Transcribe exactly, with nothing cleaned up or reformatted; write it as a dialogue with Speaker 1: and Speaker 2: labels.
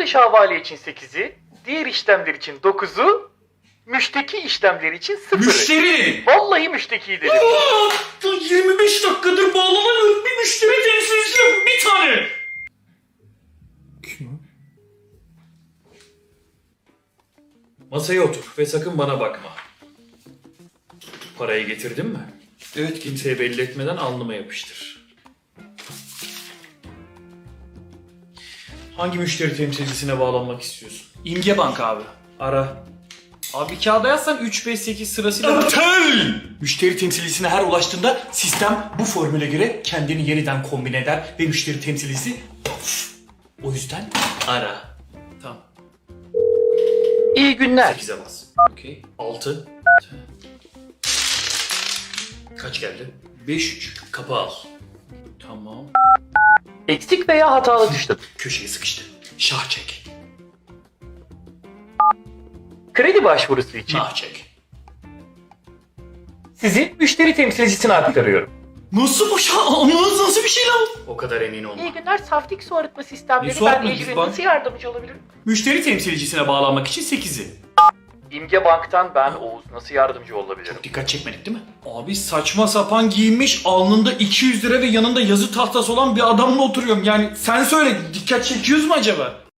Speaker 1: Satış havale için sekizi, diğer işlemler için dokuzu, müşteki işlemleri için sıfırı.
Speaker 2: Müşteri!
Speaker 1: Vallahi müşteki dedim.
Speaker 2: Aa, yirmi beş dakikadır bağlanamıyorum. Bir müşteri temsilcisi yok. Bir tane. Kim o? Masaya otur ve sakın bana bakma. Parayı getirdin mi? Evet, kimseye belli etmeden alnıma yapıştır. Hangi müşteri temsilcisine bağlanmak istiyorsun?
Speaker 3: İmge Bank abi.
Speaker 2: Ara.
Speaker 3: Abi kağıda yazsan üç beş sekiz sırasıyla...
Speaker 2: Aptal! Müşteri temsilcisine her ulaştığında sistem bu formüle göre kendini yeniden kombine eder ve müşteri temsilcisi pof. O yüzden ara.
Speaker 3: Tamam.
Speaker 1: İyi günler.
Speaker 2: sekize bas.
Speaker 3: Okey.
Speaker 2: altı. Kaç geldi?
Speaker 3: beş üç.
Speaker 2: Kapı al.
Speaker 3: Tamam.
Speaker 1: Eksik veya hatalı tuşladım.
Speaker 2: Köşeye sıkıştı. Şah çek.
Speaker 1: Kredi başvurusu için
Speaker 2: Nah çek.
Speaker 1: sizi müşteri temsilcisine aktarıyorum.
Speaker 2: Nasıl bu şah? Nasıl, nasıl bir şey lan? O kadar emin olma.
Speaker 1: İyi günler. Saftik su arıtma sistemleri.
Speaker 3: Ne su
Speaker 1: Ben
Speaker 3: arıtma?
Speaker 1: Ecrin
Speaker 3: Biz bank-
Speaker 1: nasıl yardımcı olabilirim?
Speaker 2: Müşteri temsilcisine bağlanmak için sekizi.
Speaker 1: İmge Bank'tan ben Oğuz. Nasıl yardımcı olabilirim?
Speaker 2: Dikkat çekmedik değil mi?
Speaker 3: Abi saçma sapan giyinmiş, alnında iki yüz lira ve yanında yazı tahtası olan bir adamla oturuyorum. Yani sen söyle, dikkat çekiyoruz mu acaba?